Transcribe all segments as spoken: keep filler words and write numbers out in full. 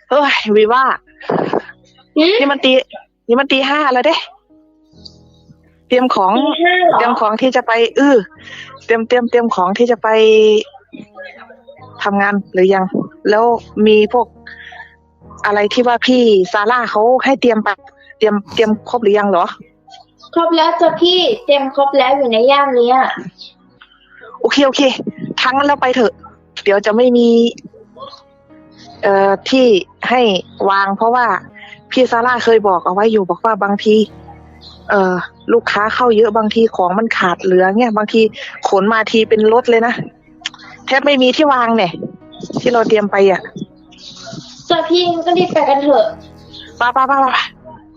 เฮ้ยวีว่าหืมนี่มันตีนี่มันตีห้าแล้วเด้เตรียมของตีห้าเหรเตรีอยมของที่จะไปเออเตรียมเตรียมเตรียมของที่จะไปทำงานหรือยัง แล้วมีพวกอะไรที่ว่าพี่ซาร่าเขาให้เตรียมไปเตรียมเตรียมครบหรือยังเหรอครบแล้วจ้ะพี่เต็มครบแล้วอยู่ในย่ามเนี้ยโอเคโอเคทั้งนั้นแล้วไปเถอะ เดี๋ยวจะไม่มี เอ่อที่ให้วาง เพราะว่าพี่ซาร่าเคยบอกเอาไว้อยู่บอกว่าบางที เอ่อ ลูกค้าเข้าเยอะบางทีของมันขาดเหลือเนี่ยบางทีขนมาทีเป็นรถเลยนะแทบไม่มีที่วางเนี่ยที่เราเตรียมไปอ่ะจ้ะพี่ก็รีบไปกันเถอะป้าป้าป้าป้า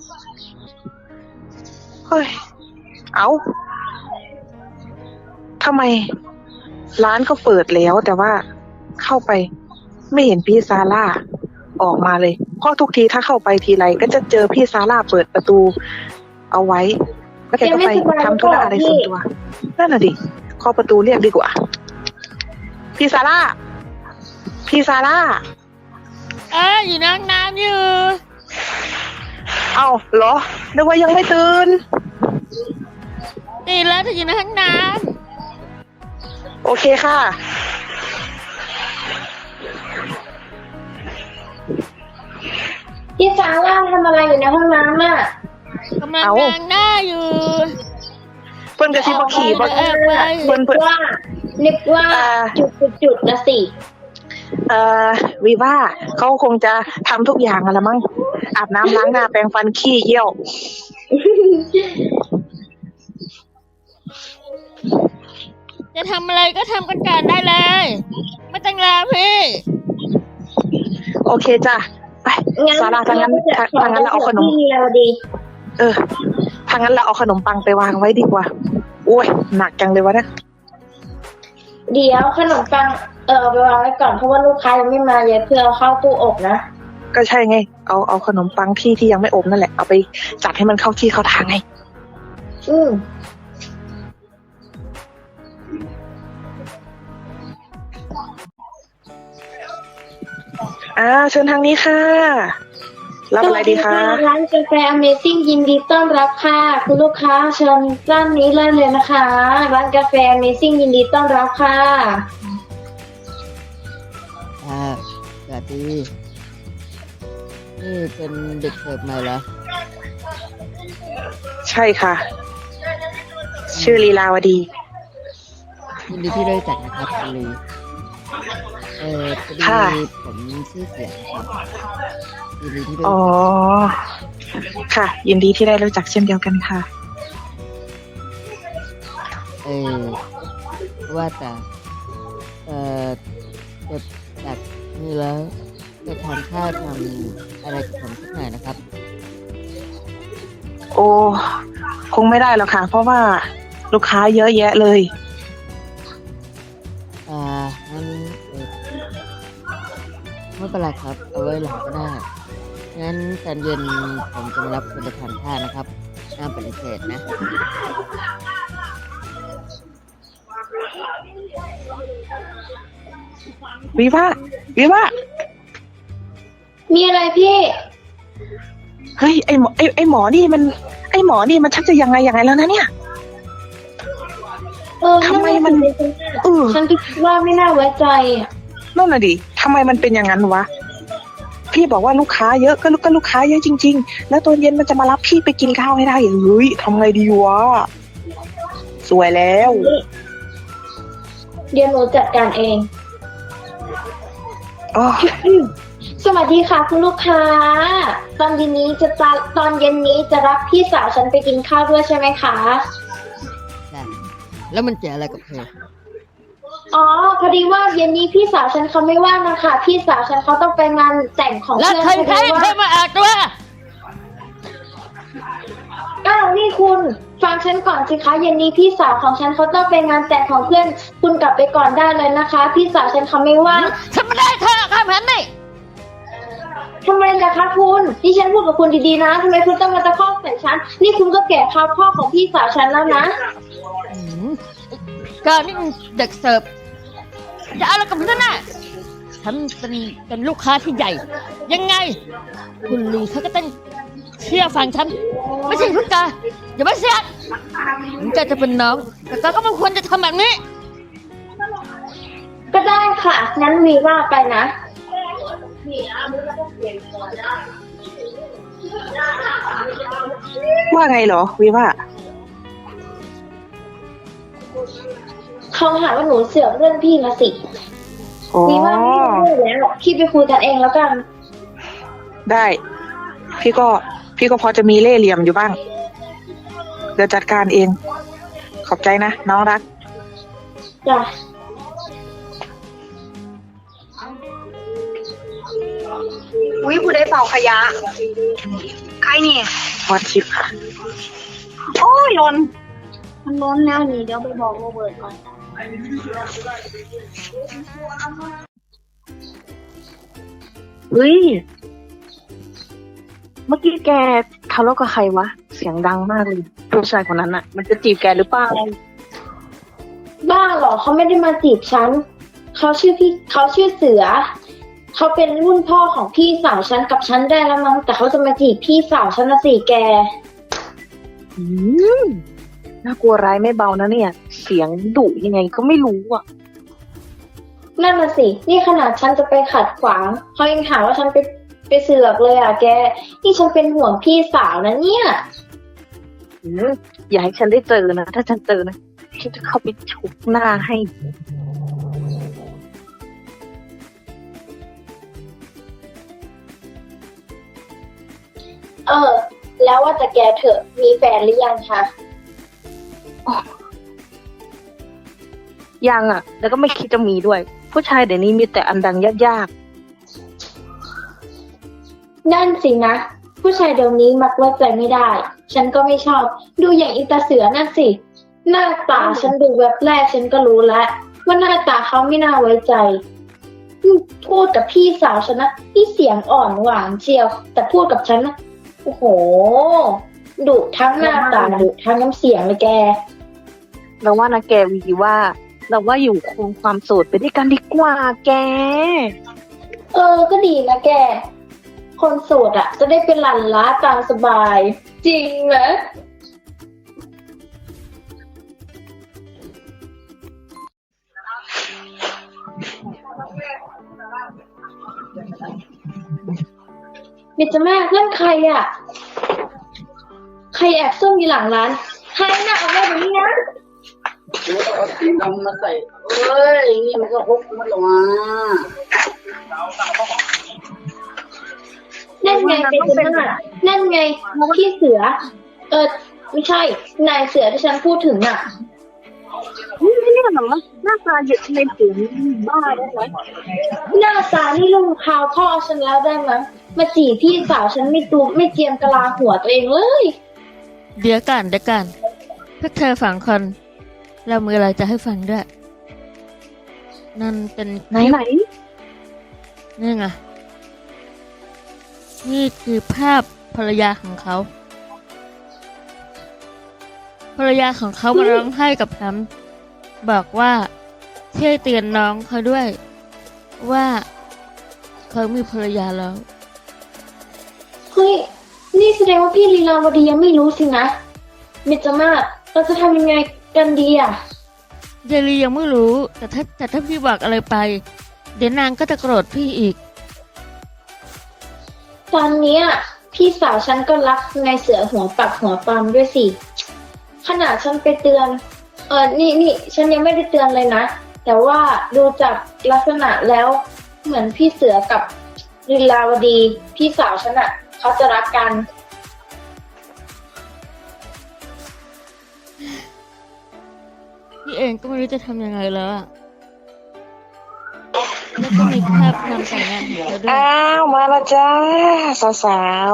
เฮ้ยเอาทำไมร้านก็เปิดแล้วแต่ว่าเข้าไปไม่เห็นพี่ซาร่าออกมาเลยเพราะทุกทีถ้าเข้าไปทีไรก็จะเจอพี่ซาร่าเปิดประตูเอาไว้แล้วแกก็ไปทำธุระอะไรส่วนตัวนั่นน่ะดิเคาะประตูเรียกดีกว่าพี่ซาร่าพี่ซาร่าเอ้ยอยู่ในห้องน้ำอยู่เอ้าเหรอนึกว่ายังไม่ตื่นตื่นแล้วเธออยู่ในห้องน้โอเคค่ะพี่ซาร่าทำอะไรอยู่ในห้องน้ำอ่ะำกำลังล้างหน้าอยู่เพิ่นกระซิบบอกขี่บอกเพิ่นเพิ่นว่านึกว่าจุดจุดจุดนะสิเอ่อวีว่าเขาคงจะทำทุกอย่างอะละมั้งอาบน้ำล้างหน้าแปรงฟันขี้เยี่ยวจะทำอะไรก็ทำกันก่อนได้เลยไม่ต้องรอพี่โอเคจ้ะไปซาร่าทางนั้นทางนั้นเราเอาขนมเออทางนั้นเราเอาขนมปังไปวางไว้ดีกว่าโอ้ยหนักจังเลยวะเนี่ยเดี๋ยวขนมปังเออไปวางไว้ก่อนเพราะว่าลูกค้ายังไม่มาเยอะเพื่อเอาเข้าตู้อบนะก็ใช่ไงเอาเอาขนมปังที่ที่ยังไม่อบนั่นแหละเอาไปจัดให้มันเข้าที่เข้าทางไงอืมอ่าเชิญทางนี้ค่ะรับอะไรดีคะร้านกาแฟ Amazing ยินดีต้อนรับค่ะคุณลูกค้าเชิญร้านนี้เลยเลยนะคะร้านกาแฟ Amazing ยินดีต้อนรับค่ะอ่าสวัสดีนี่เป็นเด็กเสิร์ฟใหม่เหรอใช่ค่ะชื่อลีลาวดียินดีที่ได้จัดนะครับลีเออพอดีผมชื่อเสียงครับยินดีที่ได้อ๋อค่ะยินดีที่ได้รู้จักเช่นเดียวกันค่ะเออว่าแต่เออจะจากนี้แล้วจะทานข้าวทำอะไรกับผมสักหน่อยนะครับโอ้คงไม่ได้หรอกค่ะเพราะว่าลูกค้าเยอะแยะเลยอ่างั้นเออไม่เป็นไรครับเอาไว้หลังก็ได้งั้นตอนเย็นผมจะมารับคุณไปทานข้าวนะครับห้ามปฏิเสธนะวิว่าวิว่ามีอะไรพี่เฮ้ยไอหมอไอไอหมอนี่มันไอหมอนี่มันชักจะยังไงยังไงแล้วนะเนี่ยเออทำไมมันเออฉันคิดว่าไม่น่าไว้ใจอ่ะนั่นน่ะดิทำไมมันเป็นอย่างนั้นวะพี่บอกว่าลูกค้าเยอะก็ลูกก็ลูกค้าเยอะจริงๆแล้วตอนเย็นมันจะมารับพี่ไปกินข้าวให้ได้เฮ้ยทำไงดีวะสวยแล้วเดี๋ยวหนูจัดการเองอ๋อสวัสดีค่ะคุณลูกค้าตอนเย็นนี้จะตอนเย็นนี้จะรับพี่สาวฉันไปกินข้าวด้วยใช่ไหมคะได้แล้วมันเกี่ยวอะไรกับเธออ๋อพอดีว่าเย็นนี้พี่สาวฉันเขาไม่ว่างนะคะพี่สาวฉันเขาต้องไปงานแต่งของเพื่อนแล้วใครใครใครมาอาบตัวอ้าวนี่คุณฟังฉันก่อนสิคะเย็นนี้พี่สาวของฉันเขาต้องไปงานแต่งของเพื่อนคุณกลับไปก่อนได้เลยนะคะพี่สาวฉันเขาไม่ว่างฉันไม่ได้เธอค่ะแม่นี่ทำไมล่ะคะคุณนี่ฉันพูดกับคุณดีๆนะทำไมคุณต้องมาตะคอกใส่ฉันนี่คุณก็แก่ข้าวพ่อของพี่สาวฉันแล้วนะก็นี่เด็กเสิร์ฟจะเอาอะไรกับฉันน่ะฮฉันเป็นเป็นลูกค้าที่ใหญ่ ยังไง คุณลีเขาก็ต้องเชื่อฟังฉัน ไม่ใช่พุทธาอย่ามาเสียดถึงแกจะเป็นน้อง แต่แกก็ไม่ควรจะทำแบบนี้ก็ได้ค่ะ งั้นวีว่าไปนะว่าไงเหรอวิว่าเขาหาว่าหนูเสือกเรื่องพี่มาสิอ๋อวีว่าไม่รู้แล้วพี่ไปคุยกันเองแล้วกันได้ พี่ก็พี่ก็พอจะมีเล่ห์เหลี่ยมอยู่บ้าง เดี๋ยวจัดการเอง ขอบใจนะ น้องรักจ้ะอุ้ยผู้ได้เป่าขยะ ใครนี่วัดชิปค่ะโอ้ยหล้นมันล้นแล้วนี่เดี๋ยวไปบอกโรเบิร์ตก่อนเฮ้ย เมื่อกี้แกทะเลาะกับใครวะ เสียงดังมากเลยผู้ชายคนนั้นอะมันจะจีบแกหรือเปล่าบ้าเหรอเขาไม่ได้มาจีบฉัน เขาชื่อพี่เขาชื่อเสือ เขาเป็นรุ่นพ่อของพี่สาวฉันกับฉันได้แล้วมั้ง แต่เขาจะมาจีบพี่สาวฉันนะสิแกอืมน่ากลัวร้ายไม่เบานะเนี่ย เสียงดุยังไงก็ไม่รู้อ่ะนั่นน่ะสิ นี่ขนาดฉันจะไปขัดขวาง เขายังหาว่าฉันไปไปเสือกเลยอ่ะแก นี่ฉันเป็นห่วงพี่สาวนะเนี่ยอืมอย่าให้ฉันได้เจอนะ ถ้าฉันเจอนะฉันจะเข้าไปฉุบหน้าให้เออ แล้วว่าแต่แกเถอะ มีแฟนหรือยังคะยังอ่ะ แล้วก็ไม่คิดจะมีด้วย ผู้ชายเดี๋ยวนี้มีแต่อันดังยากนั่นสินะ ผู้ชายเดี๋ยวนี้มักไว้ใจไม่ได้ ฉันก็ไม่ชอบ ดูอย่างอิตาเสือนั่นสิ หน้าตาฉันดูแบบแรกฉันก็รู้แล้วว่าหน้าตาเขาไม่น่าไว้ใจอืมพูดกับพี่สาวฉันนะที่เสียงอ่อนหวานเชียว แต่พูดกับฉันนะโอ้โหดุทั้งหน้าตาดุทั้งน้ำเสียงเลยแกๆเราว่านะแกวีว่า เราว่าอยู่คงความโสดไปด้วยกันดีกว่าแกเออ ก็ดีนะแก คนโสดอ่ะ จะได้เป็นหลันล้าตามสบาย จริงไหม เดี๋ยวจะแม่เพื่อนใครอ่ะ ใครแอบซุ่มอยู่หลังร้าน ใครน่ะเอามาแบบนี้นะเอาสีดำมาใส่เอ้ย นี่มันก็พกมันหรอวะนั่นไงเป็นหน้านั่นไงพี่เสือ เออ ไม่ใช่ นายเสือที่ฉันพูดถึงน่ะนี่ไม่เนี่ยเหรอหน้าตาเยอะในถึงบ้าได้ไหมหน้าตานี่ลุงคราวพ่อฉันแล้วได้ไหมยมาจีบพี่สาวฉันไม่ตูไม่เจียมกะลาหัวตัวเองเลยเดี๋ยวกันเดี๋ยวกันพวกเธอฝังคนเรามืออะไรจะให้ฟังด้วย นั่นเป็นไหนไหนนี่ไงนี่คือภาพภรรยาของเขา ภรรยาของเขามาร้องไห้กับฉันบอกว่าช่วยเตือนน้องเขาด้วย ว่าเขามีภรรยาแล้วเฮ้ย นี่แสดงว่าพี่ลีลาวดียังไม่รู้สินะเมจมาศเราจะทำยังไงกันดีอ่ะเยลียังไม่รู้ แต่ถ้าแต่ถ้าพี่บอกอะไรไป เดี๋ยวนางก็จะโกรธพี่อีกตอนเนี้ยพี่สาวฉันก็รักนายเสือหัวปักหัวปามด้วยสิ ขนาดฉันไปเตือน เออนี่นี่ฉันยังไม่ได้เตือนเลยนะ แต่ว่าดูจากลักษณะแล้ว เหมือนพี่เสือกับลีลาวดี พี่สาวฉันอะเขาจะรักกันพี่เองก็ไม่รู้จะทำยังไงแล้วอะแล้วก็มีภาพนำแต่งงานของเธอด้วยอ้าวมาและจ้าสาว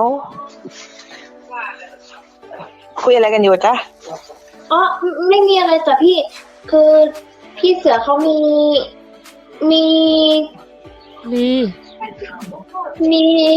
ๆคุยอะไรกันอยู่จ๊ะอ๋อไม่ไม่มีอะไรจ้ะพี่ คือพี่เสือเขามี มีลีมี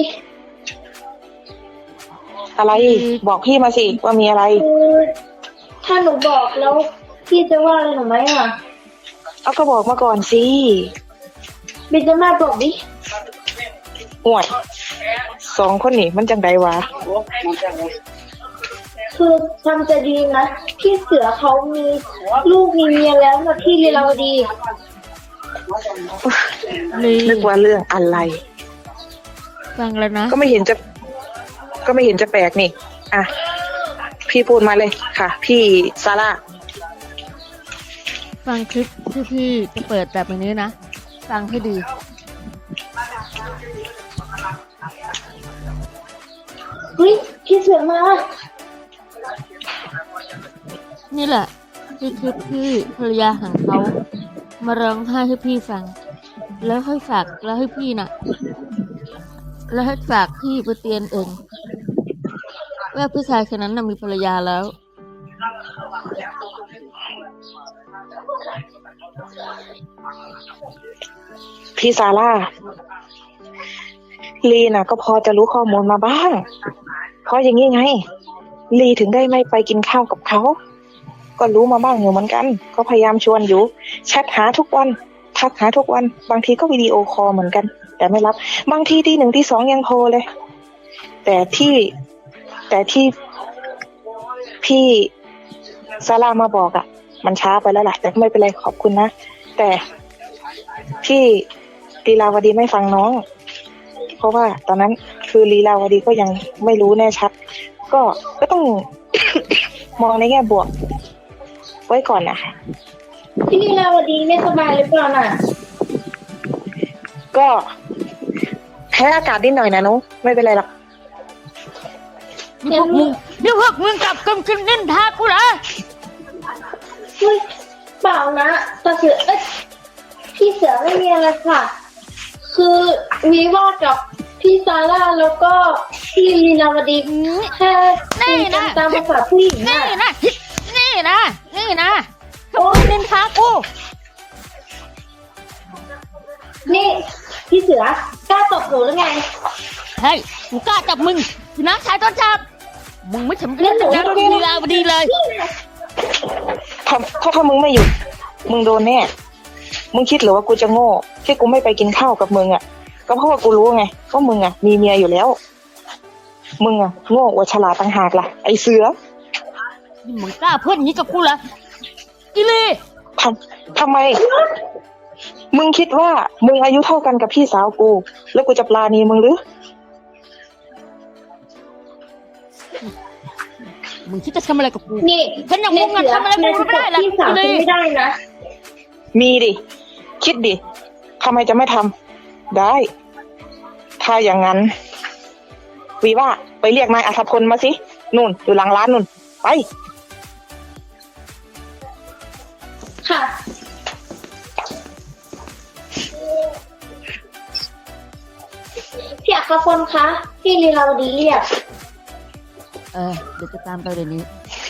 อะไรบอกพี่มาสิว่ามีอะไรคือถ้าหนูบอกแล้วพี่จะว่าอะไรหนูไหมอ่ะเอาก็บอกมาก่อนสิเบนจะมาบอกดิห่วยสองคนนี่มันจังใดวะโอ้มันจะไงคือทำจะดีนะพี่เสือเขามีลูกมีเมียแล้วนะพี่ลีลาวดีลีนึกว่าเรื่องอะไรฟังแล้วนะก็ไม่เห็นจะ ก็ไม่เห็นจะแปลกนี่ อ่ะ พี่พูดมาเลยค่ะ พี่ซาร่าฟังคลิปที่พี่จะเปิดแบบนี้นะ ฟังให้ดีเฮ้ยพี่เสือมานี่แหละคือคลิปที่ภรรยาของเขามาร้องไห้ให้พี่ฟัง แล้วให้ฝากแล้วให้พี่น่ะ แล้วให้ฝากพี่ไปเตือนเองว่าผู้ชายคนนั้นน่ะมีภรรยาแล้วพี่ซาร่า ลีน่ะ ก็พอจะรู้ข้อมูลมาบ้าง เพราะอย่างนี้ไง ลีถึงได้ไม่ไปกินข้าวกับเขา ก็รู้มาบ้างอยู่เหมือนกัน ก็พยายามชวนอยู่ แชทหาทุกวัน ทักหาทุกวัน บางทีก็วิดีโอคอลเหมือนกัน แต่ไม่รับ บางทีที่หนึ่งที่สองยังโทรเลย แต่ที่ แต่ที่พี่ซาร่ามาบอกอะ่ะ มันช้าไปแล้วล่ะ แต่ไม่เป็นไรขอบคุณนะ แต่พี่ลีลาวดีไม่ฟังน้อง เพราะว่าตอนนั้นคือลีลาวดีก็ยังไม่รู้แน่ชัด ก็ก็ต้อง มองในแง่บวก ไว้ก่อนนะพี่ลีลาวดีไม่สบายหรือเปล่าน่ะก็แพ้อากาศนิดหน่อยนะนุไม่เป็นไรหรอกนี่พวกมึงนี่พวกมึงกลับกันกินนินทากูเหรอเฮ้ยเปล่านะตาเสือเอ้ยพี่เสือไม่มีอะไรค่ะ คือวีว่ากับพี่ซาร่าแล้วก็พี่ลีลาวดีแค่คุยกันตามภาษาผู้หญิงนี่น่ะนะนี่นะนี่นะพวกมึงนินทากูนี่พี่เสือกล้าตบหนูหรือไงเฮ้ยกูกล้าจับมึงพี่น้าชายต้นจับมึงไม่สำเร็จกับนางลีลาวดีเลยถ้าถ้าถ้ามึงไม่หยุด มึงโดนแน่ มึงคิดหรือว่ากูจะโง่ที่กูไม่ไปกินข้าวกับมึงอ่ะ ก็เพราะว่ากูรู้ไงว่ามึงอ่ะมีเมียอยู่แล้ว มึงอ่ะโง่กว่าฉลาดต่างหากล่ะไอเสือนี่มึงกล้าพูดอย่างนี้กับกูเหรออีลีทำทำไม มึงคิดว่ามึงอายุเท่ากันกับพี่สาวกู แล้วกูจะปลาณีมึงหรือมึงคิดจะทำอะไรกับกูนี่ฉันอย่างมึงอะทำอะไรมึงไม่ได้หรอกพี่สาวอีฉันลีไม่ได้นะมีดิ คิดดิทำไมจะไม่ทำได้ ถ้าอย่างนั้นวีว่าไปเรียกนายอัธพลมาสินู่นอยู่หลังร้านนู่นไปค่ะ พี่อัครพลคะ พี่ลีลาวดีเรียกเออเดี๋ยวจะตามไปเดี๋ยวนี้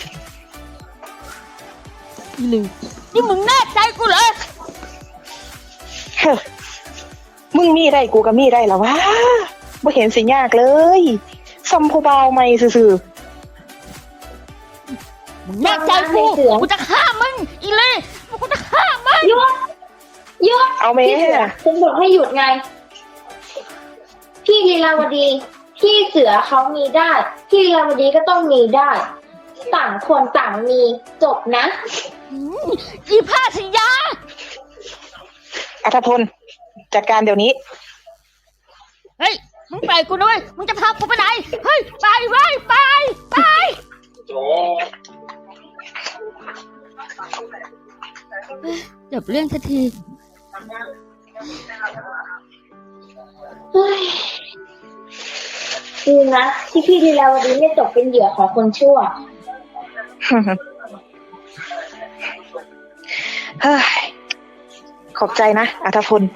อีลีนี่มึงแน่ใจกูเหรอเฮ้อมึงมีได้กูก็มีได้แล้ววะไม่เห็นสิยากเลยซัมพูบาวไม่ซื่อมึงแน่ใจกูกูจะฆ่ามึงอีลีกูจะฆ่ามึงหยุดหยุดๆเอาไหมพี่เสือฉันบอกให้หยุดไง พี่ลีลาวดี พี่เสือเขามีได้ พี่ลีลาวดีก็ต้องมีได้ ต่างคนต่างมีจบนะอืมอีผ้าสยาอัธพลจัดการเดี๋ยวนี้เฮ้ยมึงไปกูด้วยมึงจะพากูไปไหนเฮ้ยไปไว้ยไปไปจบเรื่องสักทีเฮ้ยดีนะที่พี่ลีลาวดีไม่ตกเป็นเหยื่อของคนชั่วเฮ้ยขอบใจนะอัธพล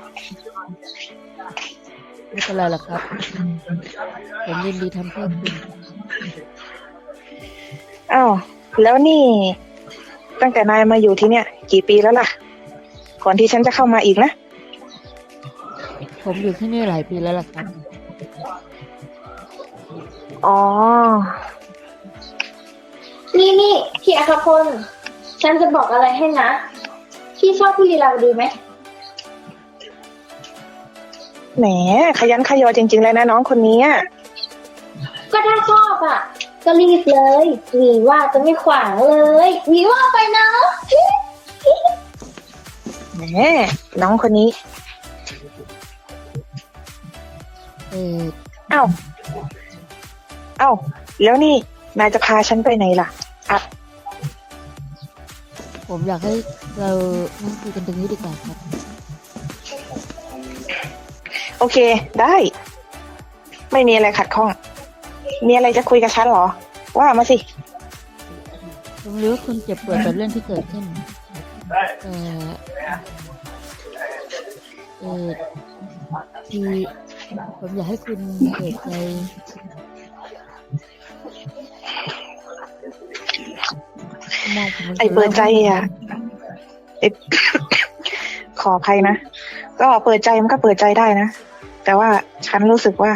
ไม่เป็นไรหรอกครับ ผมยินดีทำเพื่อคุณอ้าวแล้วนี่ ตั้งแต่นายมาอยู่ที่เนี่ย กี่ปีแล้วล่ะ ก่อนที่ฉันจะเข้ามาอีกนะผมอยู่ที่นี่หลายปีแล้วล่ะครับอ๋อนี่นี่พี่อัครพล ฉันจะบอกอะไรให้นะ พี่ชอบพี่ลีลาวดีไหมแหมขยันขยอจริงๆเลยนะน้องคนนี้อะก็ถ้าชอบอ่ะ ก็รีบเลยหวีว่าจะไม่ขวางเลยหวีว่าไปเนาะแหมน้องคนนี้เออเอ้าเอ้าแล้วนี่นายจะพาฉันไปไหนล่ะอัดผมอยากให้เรานั่งคุยกันตรงนี้ดีกว่าครับโอเคได้ ไม่มีอะไรขัดข้อง มีอะไรจะคุยกับฉันเหรอ ว่ามาสิผมรู้ว่าคุณเจ็บปวดกับเรื่องที่เกิดขึ้นแต่เออที่ผมอยากให้คุณเปิดใจมองผมไอเปิดใจอ่ะไอ ขออภัยนะ ก็เปิดใจมันก็เปิดใจได้นะ แต่ว่าฉันรู้สึกว่า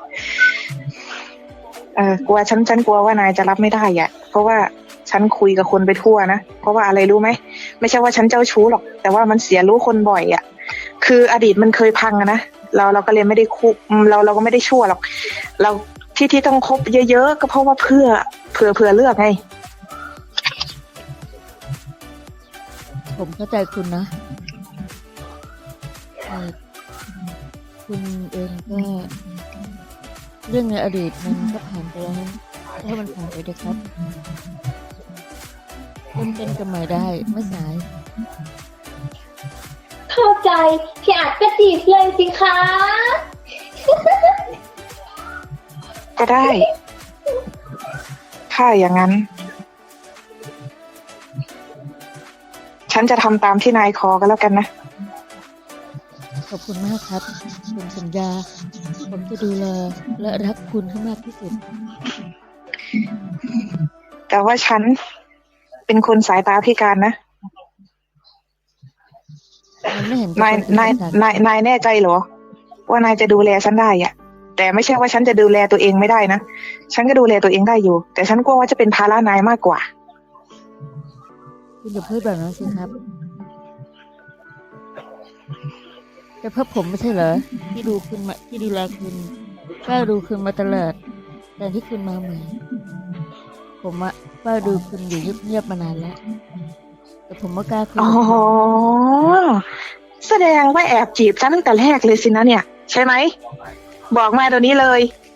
เออกลัวฉันฉันกลัวว่านายจะรับไม่ได้อ่ะ เพราะว่าฉันคุยกับคนไปทั่วนะเพราะว่าอะไรรู้ไหมไม่ใช่ว่าฉันเจ้าชู้หรอก แต่ว่ามันเสียรู้คนบ่อยอ่ะ คืออดีตมันเคยพังอะนะเราเราก็เลยไม่ได้คุเราเราก็ไม่ได้ชั่วหรอก เราที่ที่ต้องคบเยอะๆก็เพราะว่าเพื่อเผื่อเผื่อเลือกไงผมเข้าใจคุณนะเอ่อคุณเองก็เรื่องในอดีตมันก็ผ่านไปแล้วถ้ามันผ่านไปเถอะครับเริ่มต้นกันใหม่ได้ไม่สายเข้าใจพี่อาจก็จีบเลยสิคะก็ได้ ถ้าอย่างนั้น ฉันจะทำตามที่นายขอกันแล้วกันนะขอบคุณมากครับผมสัญญาผมจะดูแลและรักคุณให้มากที่สุดแต่ว่าฉันเป็นคนสายตาพิการนะมันไม่เห็นนาย นาย นาย นายแน่ใจเหรอ ว่านายจะดูแลฉันได้อะแต่ไม่ใช่ว่าฉันจะดูแลตัวเองไม่ได้นะ ฉันก็ดูแลตัวเองได้อยู่ แต่ฉันกลัวว่าจะเป็นภาระนายมากกว่าคุณอย่าพูดแบบนั้นสิครับแต่เพื่อผมไม่ใช่เหรอที่ดูคุณมาที่ดูแลคุณเฝ้าดูคุณมาตลอดแต่ที่คุณมาใหม่ผมอะเฝ้าดูคุณอยู่เงียบๆมานานแล้วแต่ผมไม่กล้าคุยอ๋อ แสดงว่าแอบจีบฉันตั้งแต่แรกเลยสินะเนี่ย ใช่ไหม บอกมาเดี๋ยวนี้เลย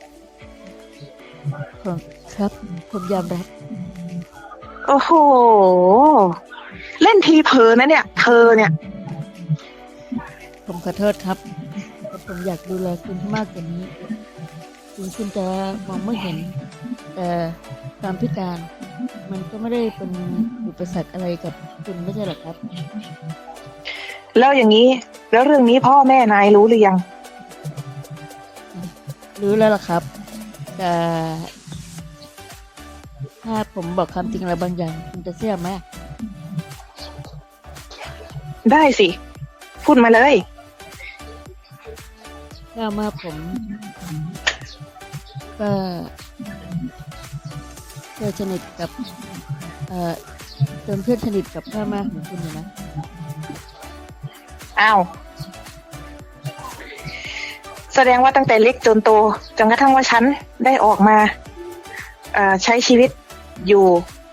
ผมครับผมยอมรับโอ้โห เล่นทีเผลอนะเนี่ย เธอเนี่ยผมขอโทษครับแต่ผมอยากดูแลคุณให้มากกว่านี้ถึงคุณจะมองไม่เห็น แต่ความพิการ มันก็ไม่ได้เป็นอุปสรรคอะไรกับคุณไม่ใช่หรอครับแล้วอย่างนี้ แล้วเรื่องนี้พ่อแม่นายรู้หรือยังรู้แล้วล่ะครับ แต่ถ้าผมบอกความจริงอะไรบางอย่างคุณจะเชื่อไหมได้สิ พูดมาเลยถ้ามาผมก็เคยสนิทกับเอ่อเป็นเพื่อนสนิทกับพ่อแม่ของคุณอยู่นะอ้าว แสดงว่าตั้งแต่เล็กจนโตจนกระทั่งว่าฉันได้ออกมาเอ่อใช้ชีวิตอยู่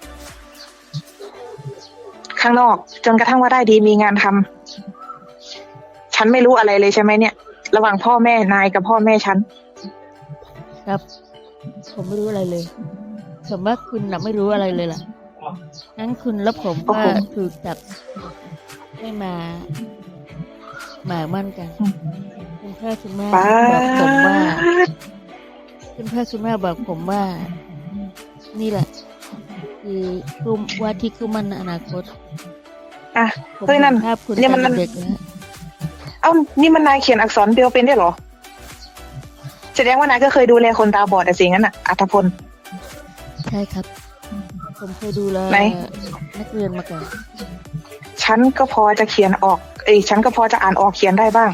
ข้างนอก จนกระทั่งว่าได้ดีมีงานทำฉันไม่รู้อะไรเลยใช่ไหมเนี่ย ระหว่างพ่อแม่นายกับพ่อแม่ฉันครับ ผมไม่รู้อะไรเลยสมมติคุณน่ะไม่รู้อะไรเลยล่ะงั้นคุณและผมโอ้ก็โหถูกจับให้มาหมายมั่นกันอืมคุณพ่อคุณแม่ป้าบอกผมว่าดคุณพ่อคุณแม่บอกผมว่า นี่แหละ คือคู่ว่าที่คู่มั่นในอนาคตอ่ะผมเฮ้ยนั่นเห็นภาพคุณนี่ตมันอนเด็กๆแล้วเอ้านี่มันนายเขียนอักษรเบลเป็นได้วยเหรอ แสดงว่านายก็เคยดูแลคนตาบอดอะสิงั้นอะอัธพลใช่ครับ ผมเคยดูแลไหนนักเรียนมาก่อนฉันก็พอจะเขียนออก เอ้ยฉันก็พอจะอ่านออกเขียนได้บ้าง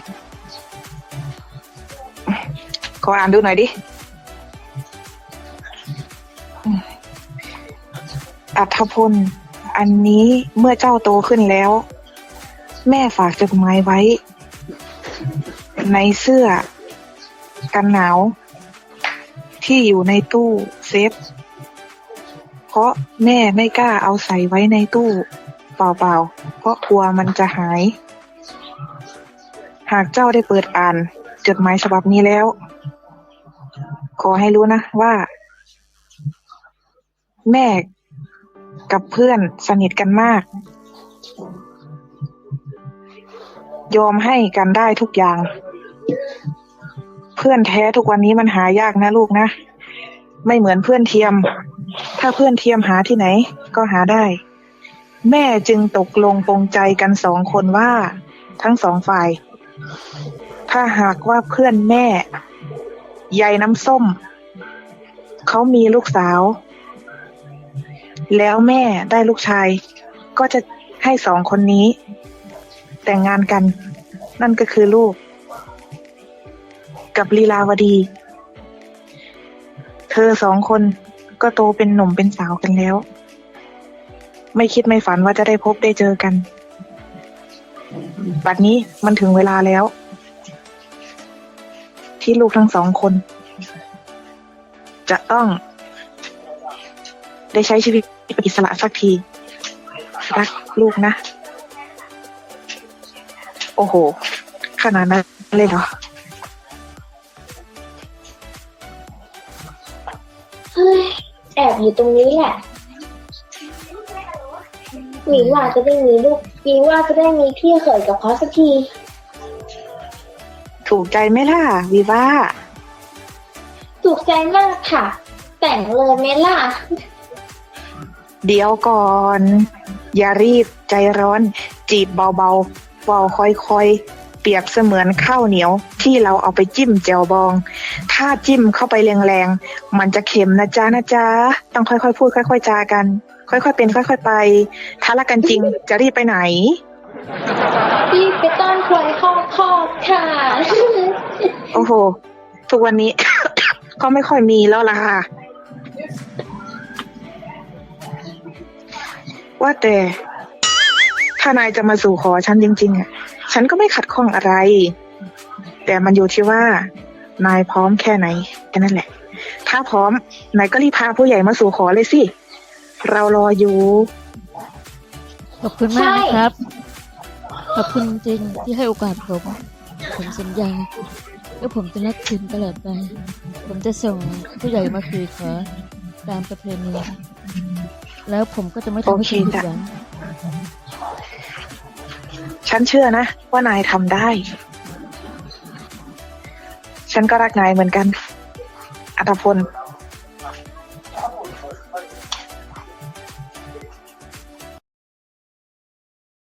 ขออ่านดูหน่อยดิ อัธพล อันนี้เมื่อเจ้าโตขึ้นแล้ว แม่ฝากจดหมายไว้ในเสื้อกันหนาวที่อยู่ในตู้เซฟ เพราะแม่ไม่กล้าเอาใส่ไว้ในตู้เปล่าๆ เพราะกลัวมันจะหาย หากเจ้าได้เปิดอ่านจดหมายฉบับนี้แล้ว ขอให้รู้นะว่า แม่กับเพื่อนสนิทกันมาก ยอมให้กันได้ทุกอย่าง เพื่อนแท้ทุกวันนี้มันหายากนะลูกนะ ไม่เหมือนเพื่อนเทียม ถ้าเพื่อนเทียมหาที่ไหนก็หาได้ แม่จึงตกลงปรงใจกันสองคนว่าทั้งสองฝ่าย ถ้าหากว่าเพื่อนแม่ยายน้ำส้มเขามีลูกสาว แล้วแม่ได้ลูกชาย ก็จะให้สองคนนี้แต่งงานกัน นั่นก็คือลูกกับลีลาวดี เธอสองคนก็โตเป็นหนุ่มเป็นสาวกันแล้ว ไม่คิดไม่ฝันว่าจะได้พบได้เจอกัน บัดนี้มันถึงเวลาแล้ว ที่ลูกทั้งสองคน จะต้องได้ใช้ชีวิตเป็นอิสระสักที รักลูกนะ โอ้โห ขนาดนั้นเลยเหรอเฮ้ย แอบอยู่ตรงนี้แหละหมีว่าจะได้มีลูกหมีว่าจะได้มีพี่เขยกับเขาสักทีถูกใจไหมล่ะวีว่าถูกใจมากค่ะ แต่งเลยไหมล่ะเดี๋ยวก่อน อย่ารีบใจร้อน จีบเบาๆเบาค่อยๆเปรียบเสมือนข้าวเหนียวที่เราเอาไปจิ้มแจ่วบอง ถ้าจิ้มเข้าไปแรงๆมันจะเค็มนะจ๊ะนะจ๊ะต้องค่อยๆพูดค่อยๆจากัน ค่อยๆเป็นค่อยๆไป ถ้ารักกันจริงจะรีบไปไหนรีบไปต้อนควายคอกคอกค่ะโอ้โห ทุกวันนี้ ก็ไม่ค่อยมีแล้วล่ะค่ะ ว่าแต่ถ้านายจะมาสู่ขอฉันจริงๆอ่ะ ฉันก็ไม่ขัดข้องอะไร แต่มันอยู่ที่ว่านายพร้อมแค่ไหนแค่นั้นแหละ ถ้าพร้อมนายก็รีบพาผู้ใหญ่มาสู่ขอเลยสิ เรารออยู่ขอบคุณมากนะครับ ขอบคุณจริงที่ให้โอกาสผม ผมสัญญาว่าผมจะรักคุณตลอดไป ผมจะส่งผู้ใหญ่มาคุยขอตามประเพณี แล้วผมก็จะไม่ทำให้คุณผิดหวังฉันเชื่อนะว่านายทำได้ ฉันก็รักนายเหมือนกัน อัตพล